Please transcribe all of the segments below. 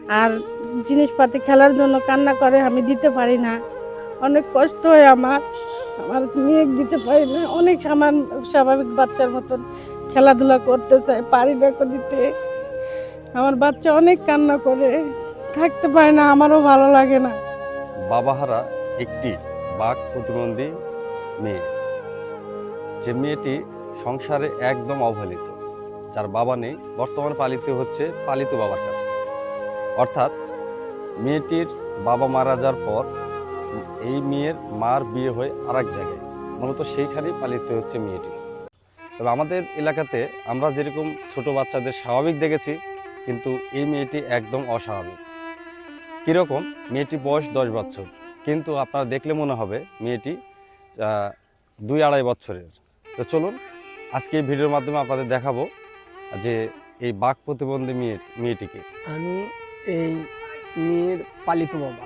আর জিনিসপাতি খেলার জন্য কান্না করে, আমি দিতে পারি না। অনেক কষ্ট হয় আমার, আমার মেয়ে দিতে পারি না। অনেক স্বাভাবিক বাচ্চার মতন খেলাধুলা করতে চাই, পারি না দিতে। আমার বাচ্চা অনেক কান্না করে, থাকতে পারে না, আমারও ভালো লাগে না। বাবাহারা একটি বাক প্রতিবন্ধী মেয়ে, যে মেয়েটি সংসারে একদম অবহেলিত, যার বাবা নেই, বর্তমানে পালিত হচ্ছে পালিত বাবার কাছে। অর্থাৎ মেয়েটির বাবা মারা যাওয়ার পর এই মেয়ের মার বিয়ে হয়ে আরেক জায়গায়, মূলত সেইখানেই পালিত হচ্ছে মেয়েটি। তবে আমাদের এলাকাতে আমরা যেরকম ছোট বাচ্চাদের স্বাভাবিক দেখেছি, কিন্তু এই মেয়েটি একদম অস্বাভাবিক। কীরকম? মেয়েটির বয়স 10 বছর, কিন্তু আপনারা দেখলে মনে হবে মেয়েটি 2-2.5 বছরের। তো চলুন আজকে এই ভিডিওর মাধ্যমে আপনাদের দেখাবো যে এই বাক প্রতিবন্ধী মেয়েটিকে। আমি এই মেয়ের পালিত বাবা।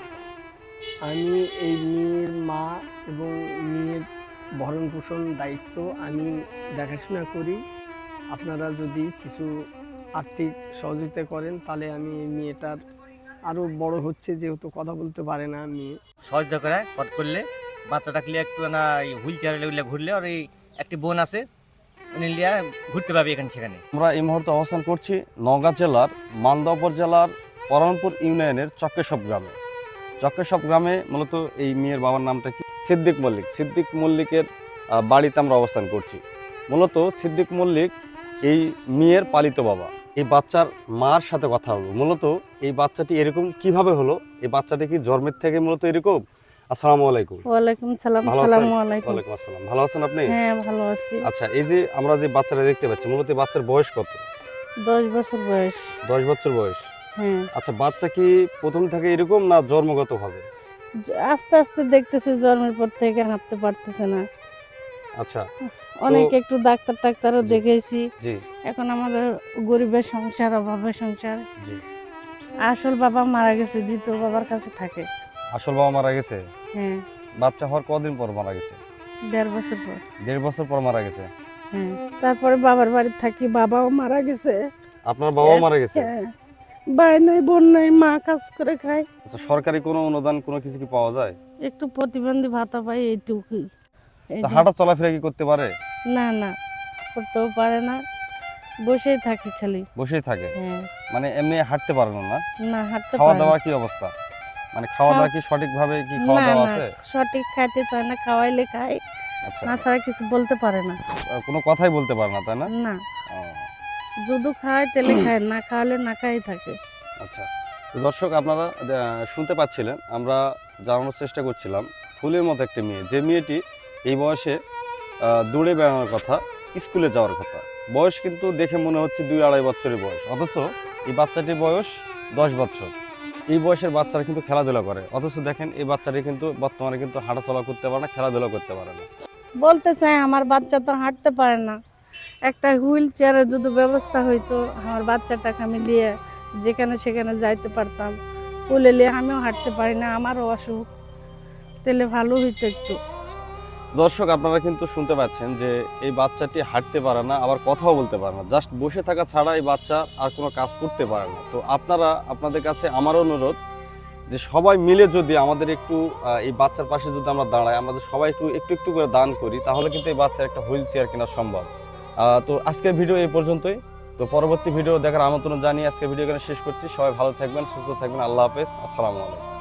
আমি এই মেয়ের মা এবং মেয়ের ভরণ পোষণ দায়িত্ব আমি দেখাশোনা করি। আপনারা যদি কিছু আর্থিক সহযোগিতা করেন তাহলে আমি এই মেয়েটার আরও বড় হচ্ছে, যেহেতু কথা বলতে পারে না মেয়ে, সহযোগিতা করে করলে বাচ্চাটাকে লিয়ে একটু না হুইল চেয়ারে ঘুরলে, আর এই একটি বোন আছে উনি লিয়া ঘুরতে পারবে এখানে সেখানে। আমরা এই মুহূর্তে অবস্থান করছি নওগাঁ জেলার মালদা উপজেলার পরানপুর ইউনিয়নের চক্কেশপ গ্রামে। চক্কেশপ গ্রামে মূলত এই মেয়ের বাবার নামটা কি? সিদ্দিক মল্লিক। সিদ্দিক মল্লিকের বাড়িতে আমরা অবস্থান করছি। মূলত সিদ্দিক মল্লিক এই মেয়ের পালিত বাবা। এই বাচ্চার মার সাথে কথা হলো, মূলত এই বাচ্চাটি এরকম কিভাবে হলো, এই বাচ্চাটি কি জন্মের থেকে মূলত এরকম? আসসালামু আলাইকুম। ওয়ালাইকুম সালাম। ভালো আছেন? আসসালামু আলাইকুম। ওয়ালাইকুম আসসালাম। ভালো আছেন আপনি? হ্যাঁ, ভালো আছি। আচ্ছা, এই যে আমরা যে বাচ্চাটা দেখতে পাচ্ছি, মূলত এই বাচ্চার বয়স কত? 10 বছর বয়স। 10 বছর বয়স। হ্যাঁ, আচ্ছা, বাচ্চা কি প্রথম থেকে এরকম না জন্মগতভাবে? আস্তে আস্তে দেখতেছি জন্মের পর থেকে হাঁটতে পারতেছে না। আচ্ছা। অনেক একটু ডাক্তারও জি। দেখাইছি। জি। এখন আমাদের গরিবের সংসার, অভাবের সংসার। জি। আসল বাবা মারা গেছে, দ্বিতীয় বাবার কাছে থাকে। আসল বাবা মারা গেছে? হ্যাঁ, বাচ্চা হওয়ার কদিন পর মারা গেছে? 1.5 বছর পর। 1.5 বছর পর মারা গেছে। হ্যাঁ, তারপরে বাবার বাড়ি থাকি, বাবাও মারা গেছে। আপনার বাবাও মারা গেছে? হ্যাঁ, ভাই নাই, বোন নাই, মা কাজ করে খায়। আচ্ছা, সরকারি কোনো অনুদান কোনো কিছু কি পাওয়া যায়? একটু প্রতিবন্ধী ভাতা পাই, এইটুকুই। তা হাঁটা চলাফেরা কি করতে পারে? না না, করতেও পারে না, বসেই থাকি খালি। বসেই থাকে? হ্যাঁ, মানে এমনি হাঁটতে পারে না? না হাঁটতে খাওয়া পারে দাওয়া না। কি অবস্থা? মানে খাওয়া দাওয়া কি সঠিকভাবে কি খাওয়া না দাওয়া না, আছে? সঠিক খাইতে চায় না, খাওয়াইলে খায়, আচ্ছা। না ছাড়া কিছু বলতে পারে না। কোনো কথাই বলতে পারে না, তাই না? না, ও, যদি খায় তেলে খায়, না খাওয়ালে না খাই থাকে। আচ্ছা। তো দর্শক, আপনারা শুনতে পাচ্ছিলেন, আমরা জানানোর চেষ্টা করছিলাম ফুলের মতো একটি মেয়ে, যে মেয়েটি এই বয়সে দৌড়ে বেড়ানোর কথা, স্কুলে যাওয়ার কথা। বয়স কিন্তু দেখে মনে হচ্ছে 2-2.5 বছরের বয়স, অথচ এই বাচ্চাটির বয়স 10 বছর। এই বয়সের বাচ্চারা কিন্তু খেলাধুলা করে, অথচ দেখেন এই বাচ্চাটি কিন্তু বর্তমানে কিন্তু হাঁটাচলা করতে পারে না, খেলাধুলা করতে পারে না। বলতে চাই আমার বাচ্চা তো হাঁটতে পারে না, একটা হুইল চেয়ারের যদি ব্যবস্থা হইতো, আমার বাচ্চাটাকে আমি নিয়ে যেখানে সেখানে যাইতে পারতাম। কুলে নিয়ে আমিও হাঁটতে পারি না, আমারও অসুখ, তাহলে ভালো হইতো একটু। দর্শক, আপনারা কিন্তু শুনতে পাচ্ছেন যে এই বাচ্চাটি হাঁটতে পারে না, আবার কথাও বলতে পারে না। জাস্ট বসে থাকা ছাড়া এই বাচ্চা আর কোনো কাজ করতে পারে না। তো আপনাদের কাছে আমার অনুরোধ যে সবাই মিলে যদি আমাদের একটু এই বাচ্চার পাশে যদি আমরা দাঁড়াই, আমাদের সবাই একটু একটু একটু করে দান করি, তাহলে কিন্তু এই বাচ্চার একটা হুইল চেয়ার কেনা সম্ভব। তো আজকের ভিডিও এই পর্যন্তই। তো পরবর্তী ভিডিও দেখার আমন্ত্রণ জানিয়ে আজকের ভিডিও এখানে শেষ করছি। সবাই ভালো থাকবেন, সুস্থ থাকবেন। আল্লাহ হাফেজ। আসসালামু আলাইকুম।